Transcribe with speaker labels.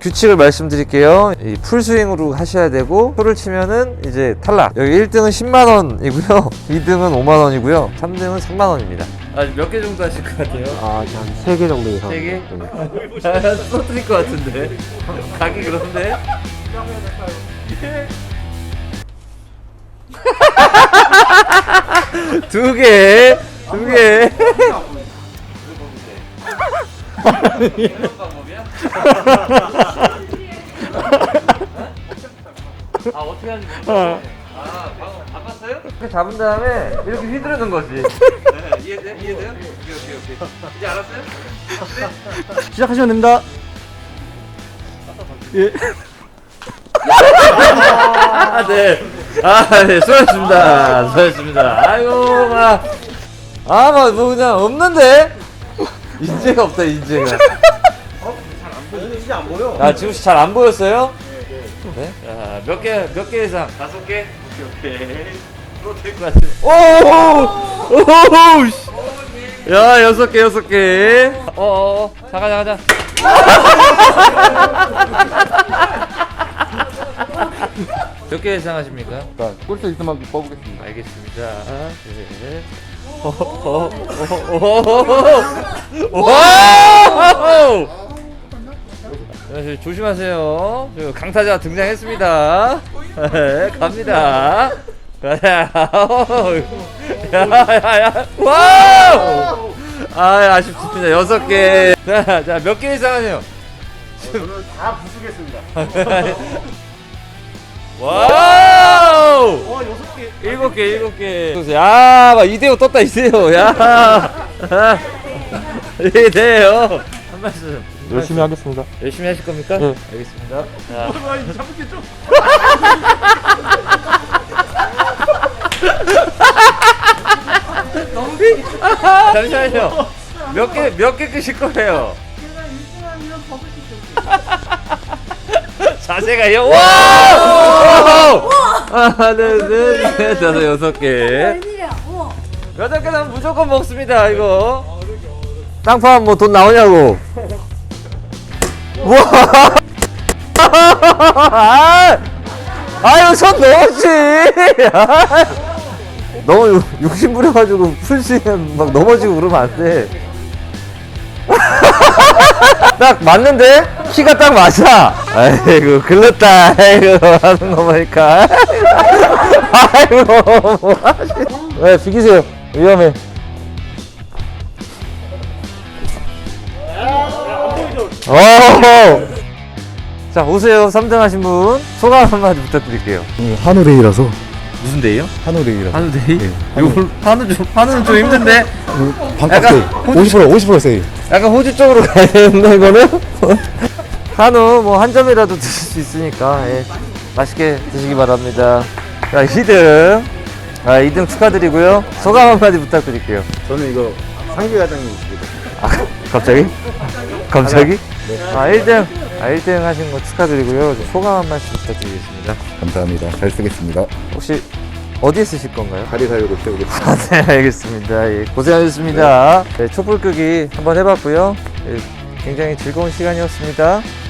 Speaker 1: 규칙을 말씀드릴게요. 이 풀스윙으로 하셔야 되고 풀을 치면은 이제 탈락. 여기 1등은 10만원이고요 2등은 5만원이고요 3등은 3만원입니다. 몇 개 정도 하실 것 같아요?
Speaker 2: 한 3개 정도 이상.
Speaker 1: 3개? 쏟을 것 같은데 가기 그런데? 두 개. 이런 방법이야? 아 어떻게 하는지 모르겠어. 아 방금 바꿨어요? 이렇게 잡은 다음에 이렇게 휘두르는 거지. 네, 이해돼? 이해돼요? 오케이. 이제 알았어요?
Speaker 2: 시작하시면 됩니다. 예.
Speaker 1: 네. 네, 수고하셨습니다. 아이고, 뭐 그냥 없는데? 인재가 없다, 인재가.
Speaker 2: 진짜 안 보여.
Speaker 1: 아, 지금 잘 안 보였어요? 네. 자, 몇 개 이상? 5개? 오케이. 될것 같은데. 오! 씨. 야, 6개. 가자. 몇 개 예상하십니까?
Speaker 2: 꿀수 있을 만큼 뽑겠습니다.
Speaker 1: 알겠습니다. 네. 와! 조심하세요. 강타자 등장했습니다. 네, 갑니다. 가자. 야. 와우! 아쉽습니다. 6개. 자, 몇 개 예상하세요?
Speaker 2: 저는 다 부수겠습니다.
Speaker 1: 와우!
Speaker 2: 6개.
Speaker 1: 7개. 야, 막 이대호 떴다, 이대호. 야. 이대호. 한 말씀.
Speaker 2: 열심히 하겠습니다.
Speaker 1: 열심히 하실 겁니까?
Speaker 2: 네.
Speaker 1: 알겠습니다. 자.
Speaker 2: 잡겠죠?
Speaker 1: 잠시만요. 몇 개 끄실 거예요? 자세가요? 와! 하나, 둘, 셋, 다섯, 6개.
Speaker 3: 웬일이야? 우와.
Speaker 1: 8개는 무조건 먹습니다, 이거. 땅파 뭐 돈 나오냐고. 우와! 아유, 손 넣었지! 너무 욕심 부려가지고 풀스윙 막 넘어지고 그러면 안 돼. 딱 맞는데? 키가 딱 맞아. 아이고, 글렀다. 아이고, 하는 거 보니까. 아이고, 뭐 하시. 네, 비키세요. 위험해. 자, 오세요. 3등 하신 분. 소감 한마디 부탁드릴게요.
Speaker 2: 한우레이라서.
Speaker 1: 무슨 데이요?
Speaker 2: 한우레이라서.
Speaker 1: 한우데이?
Speaker 2: 네.
Speaker 1: 한우는 좀 힘든데?
Speaker 2: 반값
Speaker 1: 약간
Speaker 2: 세일. 50% 세일.
Speaker 1: 약간 호주 쪽으로 가야 되는데, 이거는? 한우, 뭐, 한 점이라도 드실 수 있으니까, 예. 맛있게 드시기 바랍니다. 자, 2등. 2등 축하드리고요. 소감 한마디 부탁드릴게요.
Speaker 2: 저는 이거 상규 과장님 있습니다.
Speaker 1: 갑자기? 갑자기? 네. 1등 하신 거 축하드리고요. 소감 한 말씀 부탁드리겠습니다.
Speaker 2: 감사합니다. 잘 쓰겠습니다.
Speaker 1: 혹시 어디에 쓰실 건가요?
Speaker 2: 다리 사육을 세우겠습니다.
Speaker 1: 네, 알겠습니다. 예, 고생하셨습니다. 네, 촛불 끄기 한번 해봤고요. 예, 굉장히 즐거운 시간이었습니다.